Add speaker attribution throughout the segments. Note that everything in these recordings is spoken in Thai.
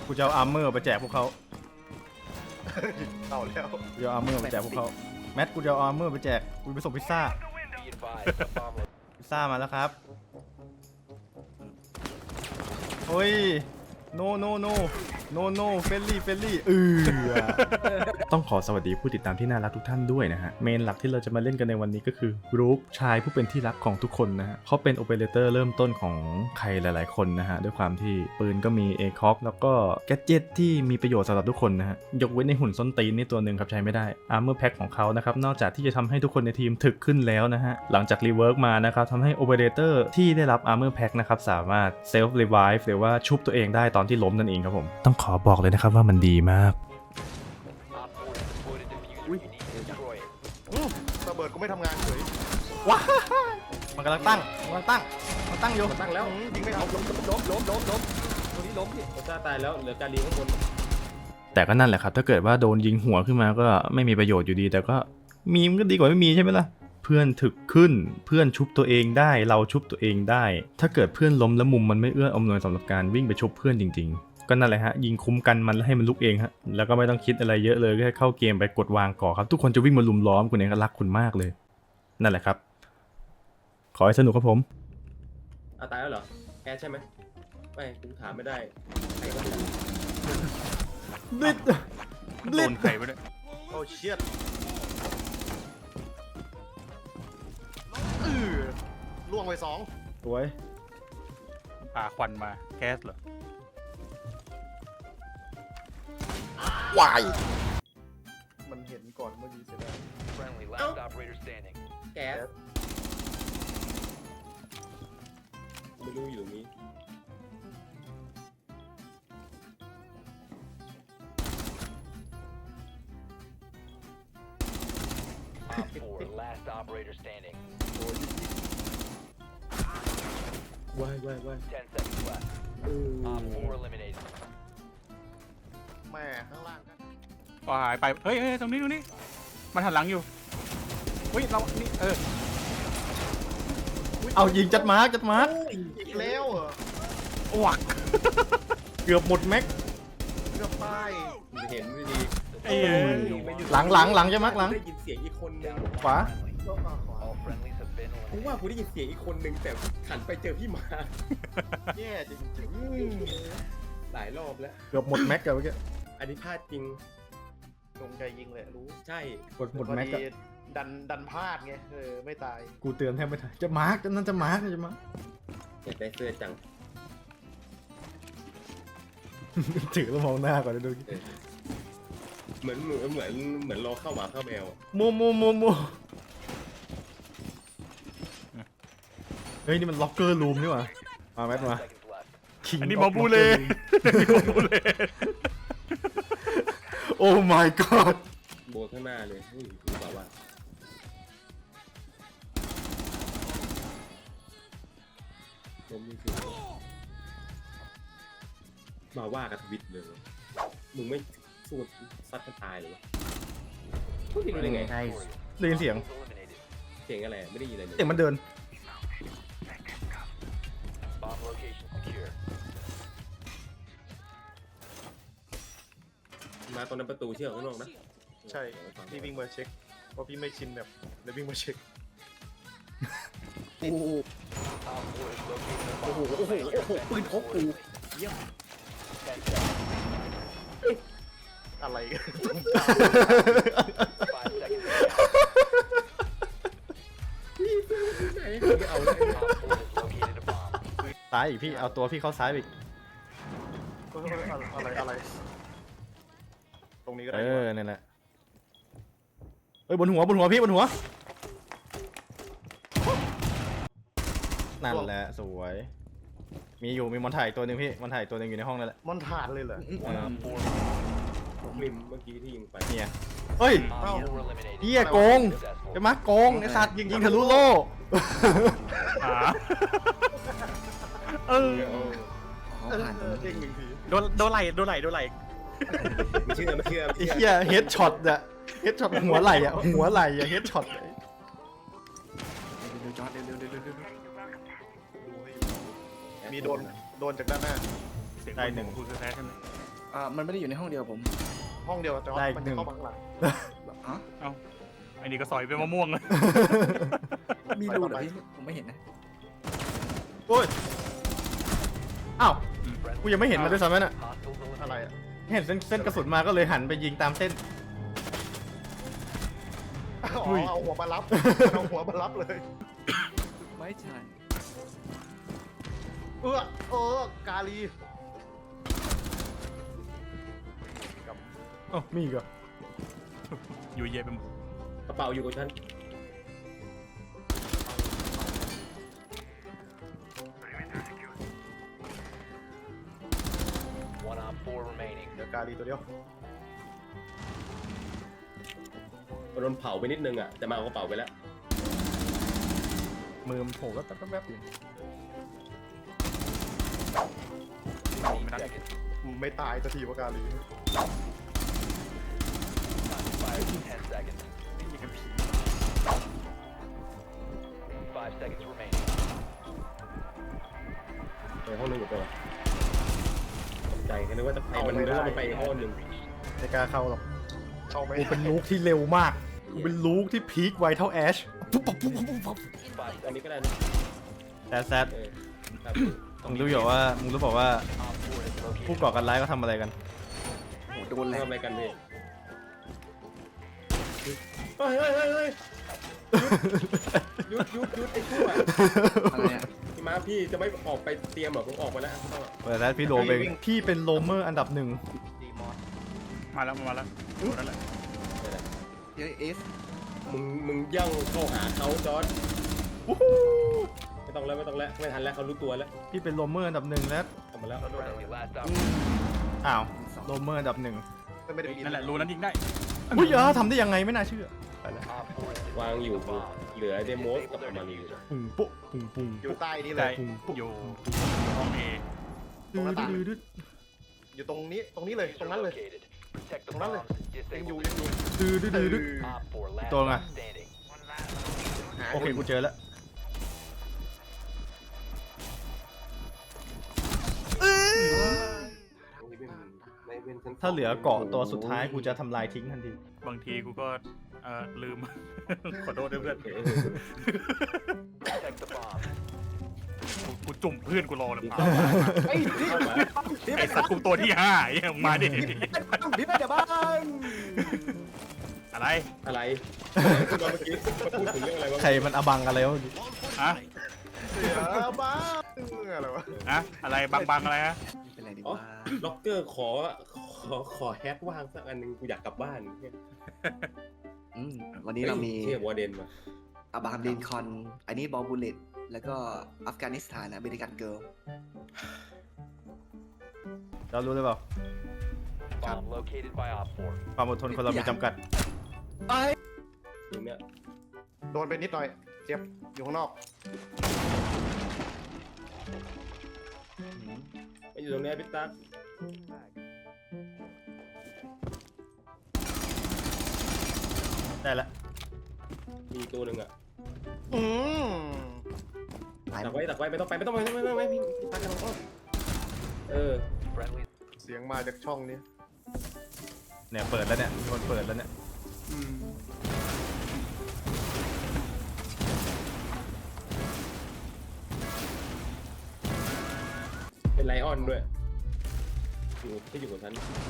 Speaker 1: กูจะเอาอาร์เมอร์ไปแจกพวกเขา
Speaker 2: เอาแล้ว
Speaker 1: กูจะเอาอาร์เมอร์ไปแจกพวกเขาแมทกูจะเอาอาร์เมอร์ไปแจกกูไปส่งพิซซ่าพิซซ่ามาแล้วครับโอ้ยโนเฟลลี่ต้องขอสวัสดีผู้ติดตามที่น่ารักทุกท่านด้วยนะฮะเมนหลักที่เราจะมาเล่นกันในวันนี้ก็คือบรู๊คชายผู้เป็นที่รักของทุกคนนะฮะเขาเป็นโอเปอเรเตอร์เริ่มต้นของใครหลายๆคนนะฮะด้วยความที่ปืนก็มีเอคอกแล้วก็แกดเจ็ตที่มีประโยชน์สำหรับทุกคนนะฮะยกเว้นในหุ่นส้นตีนนี่ตัวหนึ่งครับใช้ไม่ได้อาร์เมอร์แพ็คของเขานะครับนอกจากที่จะทำให้ทุกคนในทีมถึกขึ้นแล้วนะฮะหลังจากรีเวิร์กมานะครับทำให้โอเปอเรเตอร์ที่ได้รับอาร์เมอร์แพ็คนะครับสามารถเซลฟ์รีไวฟ์หรือว่าชุบตัวเองได้ตอนที่ล้มนั่นเองครับผมต้องขอบอกเลยนะครับว่ามันดีมาก
Speaker 2: ระเบิดก็ไม่ทำงานเฉย
Speaker 1: ว้ามันกำลังตั้งมันตั้งอยู่
Speaker 3: ตั้งแล้ว
Speaker 2: ยิงไม่เอา
Speaker 3: ล้มตัวนี้ล้มพี่โอซ่าตายแล้วเหลือการีข้างบน
Speaker 1: แต่ก็นั่นแหละครับถ้าเกิดว่าโดนยิงหัวขึ้นมาก็ไม่มีประโยชน์อยู่ดีแต่ก็มีมันก็ดีกว่าไม่มีใช่ไหมล่ะเพื่อนถึกขึ้นเพื่อนชุบตัวเองได้เราชุบตัวเองได้ถ้าเกิดเพื่อนล้มแล้วมุมมันไม่เอื้ออำนวยสำหรับการวิ่งไปชุบเพื่อนจริงๆก็นั่นแหละฮะยิงคุ้มกันมันแล้วให้มันลุกเองฮะแล้วก็ไม่ต้องคิดอะไรเยอะเลยแค่เข้าเกมไปกดวางก่อครับทุกคนจะวิ่งมาลุมล้อมคุณเองก็รักคุณมากเลยนั่นแหละครับขอให้สนุกครับผม
Speaker 3: ตายแล้วเหรอแกใช่ไหมไม่กูถามไม่ได้ใครก็ไม่ได้
Speaker 4: โดนใครไปด้วย
Speaker 2: โอ้เชียดล่วงไปสอง
Speaker 1: สวย
Speaker 4: ป่าควันมาแก๊สเหรอ
Speaker 2: วายมันเห็นก่อนเมื่อกี้เสียดาย
Speaker 3: แก๊สไม่รู้อยู่ตรงนี้ ว้าย
Speaker 2: แม่ข้างล่างกัน
Speaker 4: ก็หายไปเฮ้ยตรงนี้มันหันหลังอยู่เฮ้ยเรานี่
Speaker 1: เอายิงจัดมาร์ก
Speaker 2: อีกแล้วเหรอ
Speaker 4: วัก
Speaker 1: เกือบหมดแม็ก
Speaker 2: เกือบตาย
Speaker 3: ไม่เห็นไม่ดี
Speaker 4: เอ้ย
Speaker 1: หลังจะมักหลัง
Speaker 3: ได้ยินเสียงอีกคนนึง
Speaker 1: ขวา
Speaker 2: ก็มาขวา
Speaker 3: กูว่ากูได้ยินเสียงอีกคนนึงแต่ขันไปเจอพี่มา
Speaker 2: แย่จริง
Speaker 3: หลายรอบแล้ว
Speaker 1: เกือบหมดแม็กกันเมื่อกี้
Speaker 3: อันนี้พลาดจริง
Speaker 2: ๆจงใจยิงเลยรู้
Speaker 3: ใช่
Speaker 1: หมดแม็ก
Speaker 2: พ
Speaker 1: กั
Speaker 2: อน ดีดันพลาดไงไม่ตาย
Speaker 1: กูเตือนแทบไม่ทันจะมาร์กนั่นจะมาร์ก
Speaker 3: อยากได้เสื้อจัง
Speaker 1: ถือแล้วมองหน้าก่อนดู
Speaker 3: เหมือนรอเข้าหมาเข้าแมว
Speaker 1: มัวเฮ้ยนี่มันล็อกเกอร์รูมนี่หว่ามาแมทมา King
Speaker 4: อันนี้
Speaker 1: of
Speaker 4: บอบูเล่
Speaker 1: Locker Room โอ้ my god
Speaker 3: โบข้างหน้าเลยรู้ป่าวว่าล้มนี่คือมาว่ากับทวิตเลย มึงไม่สู้ซัดกันตายเลยวะพูดผิดได้ไง
Speaker 1: ได้ยินเสียง
Speaker 3: เสียงอะไรไม่ได้ยินอะไรเลย
Speaker 1: เสียงมันเดิน
Speaker 3: มาตอนนั้นประตูเชื่อข้างนอกนะ
Speaker 2: ใช่พี่วิ่งมาเช็คเพราะพี่ไม่ชินแบบเลยวิ่งมาเช็ค
Speaker 3: โอ้โหปืนพกกู
Speaker 2: อะไรกัน
Speaker 3: ไหนไม่เอาเลย
Speaker 1: ซ้ายอีกพี่เอาตัวพี่เข้าซ้ายอีก
Speaker 2: อะไรตรงนี้ก็ได้
Speaker 1: นั่นแหละเฮ้ยบนหัวพี่บนหัวนั่นแหละสวยมีมอนถ่ายตัวหนึ่งพี่มอนถ่ายตัวหนึ่งอยู่ในห้องนั่นแหละ
Speaker 2: มันผ่านเลยเหรอ
Speaker 3: ริมเมื่อกี้ที่ยิงไป
Speaker 1: เนี่ยเฮ้ย
Speaker 2: เอ้า
Speaker 1: เฮียโกงจะมาโกงไอ้สัตว์ยิงทะลุโล่
Speaker 4: หา
Speaker 2: เด้งหนึ่งที
Speaker 4: โดนไหล
Speaker 3: ไม่เชื่อ
Speaker 1: ไอ้เฮียเฮดช็อตอะเฮดช็อตหัวไหล่อะเฮดช็อต
Speaker 2: มีโดนจากด้านหน้า
Speaker 4: เสียงได้หนึ่งคุณแท้ใช่ไหม
Speaker 2: มันไม่ได้อยู่ในห้องเดียวผม ห้องเดียวแต่ว่ามันจะเข้ามาข้างหลังฮะ
Speaker 4: เอ้าไอ้นี่ก็สอยเป็นมะม่วงเลย
Speaker 2: มีรูเหรอพี่ผมไม่เห็นนะ
Speaker 1: โอ้ยอ้าวกูยังไม่เห็นมันด้วยซ้ำนั่นอ่ะ
Speaker 2: อะไรอ่ะ
Speaker 1: เห็นเส้นกระสุนมาก็เลยหันไปยิงตามเส้น
Speaker 2: อ๋อเอาหัวมารับเอาหัวมารับเลย
Speaker 5: ไม่ใช่
Speaker 2: กาลี
Speaker 1: อ๋อมีอีกเหรอ
Speaker 4: อยู่เย็นไปหมด
Speaker 3: กระเป๋าอยู่กับฉัน
Speaker 2: เดี๋ยวกาลีตัวเดียว
Speaker 3: โดนเผาไปนิดนึงอ่ะแต่มาเอากระเป๋าไปแล้ว
Speaker 1: มือมันโผล่แป๊บๆอยู่
Speaker 4: ไม่ได้
Speaker 2: ไม่ตายสักทีว่ากาลี
Speaker 3: ไปห้องนึงกับตัวตกใจแค่นึกว่าจะไปมันนึกว่ามันไปห้องนึง
Speaker 1: ไม่กล้าเข้าหรอก
Speaker 2: เข้าไม่
Speaker 1: กูเป็นลูกที่เร็วมากกูเป็นลูกที่พีคไวเท่าแอชปุ๊บปุ๊บปุ๊บปุ๊บปุ๊บ
Speaker 3: อันนี้ก็ได้นะ
Speaker 1: แซด
Speaker 3: ครับ
Speaker 1: มึงรู้บอกว่าผู้ก่อการร้ายก็ทำอะไรกัน
Speaker 2: โอ้โดนแล้
Speaker 3: ทำ
Speaker 2: ว
Speaker 3: อะไรกันพี่เฮ้ยหยุดไอ้ชั่ว
Speaker 2: อะไรอ่ะ
Speaker 3: พี่มาพี่จะไม่ออกไปเตรียมหรอผมออกมาแล้ว
Speaker 1: เปิดแซดพี่โลเองพี่เป็นโลเมอร์อันดับหนึ่ง
Speaker 4: มาแล้วนั่นแหละ
Speaker 2: เอส
Speaker 3: มึงย่องเข้าหาเขาจอร์ด
Speaker 1: วู้ฮู้
Speaker 3: ไม่ต้องแล้วไม่ทันแล้วเขารู้ตัวแล้ว
Speaker 1: พี่เป็นโลเมอร์อันดับหนึ่งแล้ว
Speaker 3: ทำมาแล้ว
Speaker 1: อ้าวโลเมอร์อันดับหนึ่ง
Speaker 2: ไม่ได้
Speaker 4: นั่นแหละรูนั้นยิงได้
Speaker 1: อุ้ยทำได้ยังไงไม่น่าเชื่อไปแล้ว
Speaker 3: วางอยู่เหลือเดโมสกับมารี
Speaker 1: ปุ้งปุ๊ปุ้งปุ้ง
Speaker 2: อยู่ใต้นี้เล
Speaker 4: ได้
Speaker 2: ย
Speaker 4: อยู่ห้องเอ
Speaker 1: ดื้อดื้อดื้อ
Speaker 2: อยู่ตรงนี้เลยตรงนั้นเลยตรงนั้นเลยยังอยู่
Speaker 1: ดื้อดื้อดื้อดื้อตัวไง
Speaker 2: หา
Speaker 1: โอเคกูเจอแล้ว ถ้าเหลือเกาะตัวสุดท้ายกูจะทำลายทิ้งทันที
Speaker 4: บางทีกูก็ลืม ขอโทษด้วยเพื่อนกูจุ่มเพื่อนกูรอเลยเปล่าไอ้สัตว์กูตัวที่5ยังมาดิ
Speaker 2: พี่ไปเดี๋ยวบ้าง
Speaker 4: อะไร
Speaker 3: คุณตอนเมื่อกี้มาพูดถึงเรื่องอะไรวะ
Speaker 1: ใครมันอบังอะไรวะ
Speaker 4: ฮะ
Speaker 2: เดี๋ยวบ้างอะไรวะ
Speaker 4: อะอะไรบังอะไรฮะ
Speaker 5: เป็นไรดี
Speaker 3: อ๋อ
Speaker 5: วะ
Speaker 3: ล็อกเกอร์ขอแฮกว่างสักอันนึงกูอยากกลับบ้าน
Speaker 5: วันนี้เรามี
Speaker 3: เทียบวอร์เดนมา
Speaker 5: อับราฮัมลินคอล์นอันนี้บอลบูเลตแล้วก็อัฟกานิสถานอเมริกันเกิร์ล
Speaker 1: เรารู้เลยเปล่าความอดทนคนเรามีจำกัด
Speaker 3: ตรงเนี้ย
Speaker 2: โดนไปนิดหน่อยเจ็บอยู่ข้างนอก
Speaker 3: ไม่อยู่ตรงเนี้ยพี่ตั๊ก
Speaker 1: ได้แล้ว
Speaker 3: มีตัวหนึ่งอ่ะ
Speaker 2: อืม
Speaker 3: ตักไว้ไม่ต้องไปพี่ตั๊กกันอ้อม
Speaker 2: เสียงมาจากช่องนี้
Speaker 1: เนี่ยเปิดแล้วเนี่ยมีคนเปิดแล้วเนี่ย
Speaker 3: เป็นไลออนด้วยอยู่กับฉัน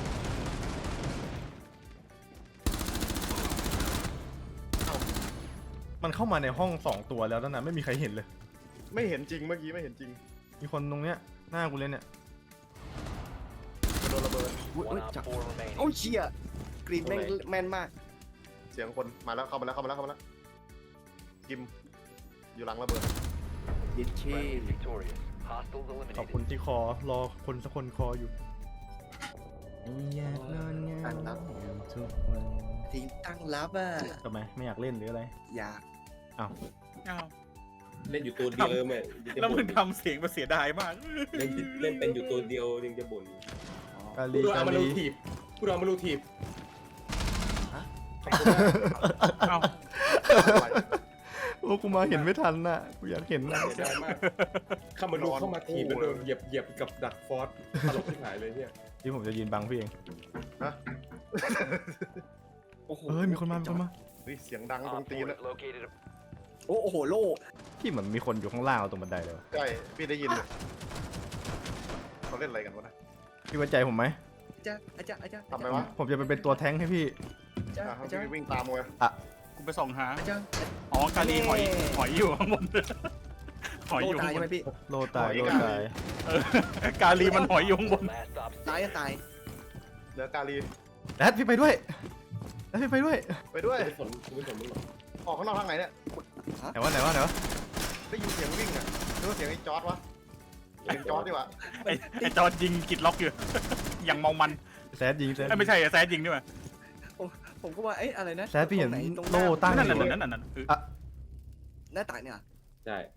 Speaker 1: มันเข้ามาในห้อง2ตัวแล้วนั่นนะไม่มีใครเห็นเลย
Speaker 2: ไม่เห็นจริงเมื่อกี้ไม่เห็นจริง
Speaker 1: มีคนตรงเนี้ยหน้ากูเลยเนี่ย
Speaker 2: โดนระเบิด
Speaker 5: อุ้ยจับโอ้ยเชี่ยกรีนแม่นมาก
Speaker 2: เสียงคนมาแล้วเข้ามาแล้วกิมอยู่หลังระเบิด
Speaker 5: เย็ดเช่
Speaker 1: ขอบคุณที่คอรอคนสักคนคออยู่อยากนอนเงาทุกวัน
Speaker 5: ทีมตั้งรับอ่ะ
Speaker 1: ทำไมไม่อยากเล่นหรืออะไร
Speaker 5: อยาก
Speaker 1: อ้าว
Speaker 4: อ้าว
Speaker 3: เล่นอยู่ตัวเดียวแม่
Speaker 4: แล้วมึงทำเสียงมาเสียดายมาก
Speaker 3: เล่นเป็นอยู่ตัวเดียวยังจะบ่น
Speaker 1: กา
Speaker 3: กู
Speaker 1: ลี
Speaker 3: โดน
Speaker 1: กา
Speaker 3: เอามา
Speaker 1: ลี
Speaker 3: ลูทีบกูโดนเอามาลูทีบ
Speaker 4: เอ้า
Speaker 1: โอ้กูมาเห็นไม่ทันน่ะกูอยากเห็นน่ะ
Speaker 3: เสียดายมากเข้ามาดูเข้ามาทีมันโดนเหยียบกับดักฟอสตลกที่หายเลยเนี่ย
Speaker 1: ที่ผมจะยืนบังพี่เอง
Speaker 2: ฮะ
Speaker 5: โอ้โห
Speaker 1: เอ้ยมีคนมามีคนมา
Speaker 2: เฮ้ยเสียงดังตรงตีนอะ
Speaker 5: โอ้โหโล่
Speaker 1: พี่เหมือนมีคนอยู่ข้างล่างเราตรงบันไดเลยวะ
Speaker 2: ใช่พี่ได้ยินเลยเขาเล่นอะไรกันวะนะ
Speaker 1: พี่ไว้ใจผมไหม
Speaker 5: อาจารย์อาจารย์
Speaker 2: ทำไมวะ
Speaker 1: ผมจะไปเป็นตัวแท้งค์ให้พี่
Speaker 5: อาจารย์
Speaker 2: อ่ะ
Speaker 5: อาจารย์
Speaker 2: พี่วิ่งตามเลย
Speaker 4: กูไปส่องหา
Speaker 5: อาจารย์
Speaker 4: อ๋อกาลีหอยอยู่ข้างบนหอย
Speaker 5: โล่
Speaker 4: อยู่
Speaker 5: ตา
Speaker 4: ข้าย งบ
Speaker 5: ใช่ไหม
Speaker 4: น
Speaker 5: พี่
Speaker 1: โลตายโลตาย
Speaker 4: เออกาลีมันหอยอยู่ข้างบน
Speaker 5: ตายก็ตาย
Speaker 2: เหลือกาลี
Speaker 1: แดดพี่ไปด้วยแดดพี่ไปด้วย
Speaker 2: ไปด้วย
Speaker 3: กูไม่สนมึงหรอก
Speaker 2: ออกข้างนอกทางไหนเนี่ย
Speaker 1: ไหนวะไหนวะไหนวะ
Speaker 2: ได้ยินเสียงวิ่งอะหรือว่าเสียงไอ้จอร์ดวะเสียงจอร์ดดีกว่า
Speaker 4: ไอ้จอร์จยิงกิดล็อกอยู่ อย่างเมามัน
Speaker 1: แซดยิงแซด
Speaker 4: เอ้ยไม่ใช่แซดยิงด้วย
Speaker 5: ผมก็ว่าเอ๊ะอะไรนะ
Speaker 1: แซดพี่เห็น
Speaker 5: ตรงไห
Speaker 1: โล่ตั้ง
Speaker 4: นั่น
Speaker 1: อ
Speaker 4: นั่น
Speaker 1: ยู่
Speaker 4: นั่นนั่นนั่นเออ
Speaker 5: หน้าต่างเนี่ย
Speaker 3: ใช่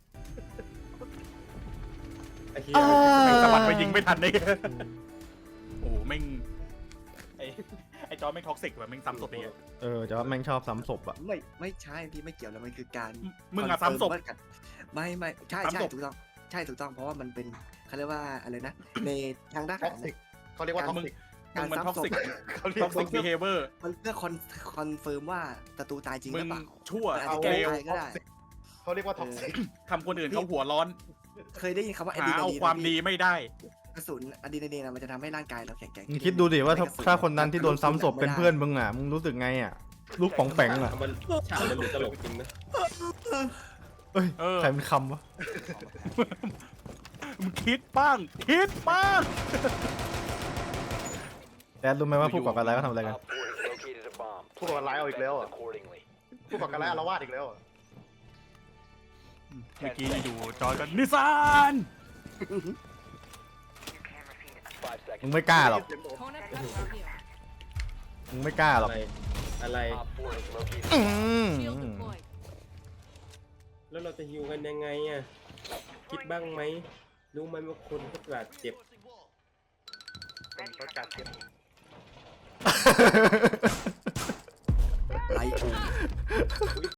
Speaker 3: ไอ้เหี้ย
Speaker 4: แม่งสะบัดไปยิงไม่ทันเลยโอ้โหแม่งไอ้จอร์จแม่งท็อกซิกว่ะแม่งซ้ำศพอย่างเงี้ย
Speaker 1: แต่ว่าแม่งชอบซ้ำศพอ่ะ
Speaker 5: ไม่ใช่พี่ไม่เกี่ยวแล้วมันคือการ
Speaker 4: มึงอะซ้ำศพ
Speaker 5: คอนเฟิร์ว่ากันไม่ใช่
Speaker 4: ซ้ำศพ
Speaker 5: ถูกต้องใช่ถูกต้องเพราะว่ามันเป็นเขาเรียกว่าอะไรนะในทางด้าน
Speaker 2: ท็อกซิกเขาเรียกว่าท็อกซิก
Speaker 5: การ
Speaker 4: มึงมันท็อก
Speaker 5: ซ้ำศพ
Speaker 4: ซิก
Speaker 2: เขาเรีย
Speaker 4: ท็
Speaker 2: ก
Speaker 4: อกซิกบีเฮเวอร์
Speaker 5: มันเพื่อคอนเฟิร์มว่าศัตรูตายจริงห
Speaker 4: มึ
Speaker 5: รื
Speaker 4: ง
Speaker 5: อเปล่า
Speaker 4: ชั่ว
Speaker 5: มันอาจ
Speaker 2: เอา
Speaker 5: จะ
Speaker 4: เล
Speaker 5: แก้
Speaker 4: ว
Speaker 5: ตายก็ได้
Speaker 2: เขาเรียกว่าท็อกซิก
Speaker 4: ทำคนอื่นเขาหัวร้อน
Speaker 5: เคยได้ยินคำว่าอะ
Speaker 4: หา
Speaker 5: ดรีนา
Speaker 4: เอา
Speaker 5: ลีน
Speaker 4: ความดีไม่ได้
Speaker 5: กระสุนอะดรีนาลีนอะมันจะทำให้ร่างกายเราแข็งแกร่ง
Speaker 1: มึงคิดดูดิว่าถ้าคนนั้นที่โดนซ้ำศพเป็นเพื่อนมึงอ่ะมึงรู้สึกไงอ่ะลูกป๋องแปงอ่ะ
Speaker 3: มันฉากมันดูตลกจริงนะ
Speaker 1: เอ้ย
Speaker 4: เออ
Speaker 1: ใครเป็นคำวะ
Speaker 4: มึงคิดบ้าง คิดบ้าง
Speaker 1: แดดรู้ไหมว่าผู้ก่อการร้ายเขาทำอะไรกัน
Speaker 2: ผู้ก่อการร้ายเอาอีกแล้วอ่ะผู้ก่อการร้ายอาละวาดอีกแล้วอ่ะ
Speaker 4: เมื่อกี้อยู่จอยกันนิสาน
Speaker 1: มึงไม่กล้าหรอก
Speaker 6: Opponent left from here.
Speaker 1: มึงไม่กล้าหร
Speaker 3: อะ
Speaker 1: อก
Speaker 3: ไรอะไร
Speaker 1: อืม
Speaker 6: Shield deployed.
Speaker 3: แล้วเราจะฮิวกันยังไงอ่ะคิดบ้างไหมรู้ไหมว่าคนเขาบาดเจ็บ
Speaker 2: เขาจัดเก็บ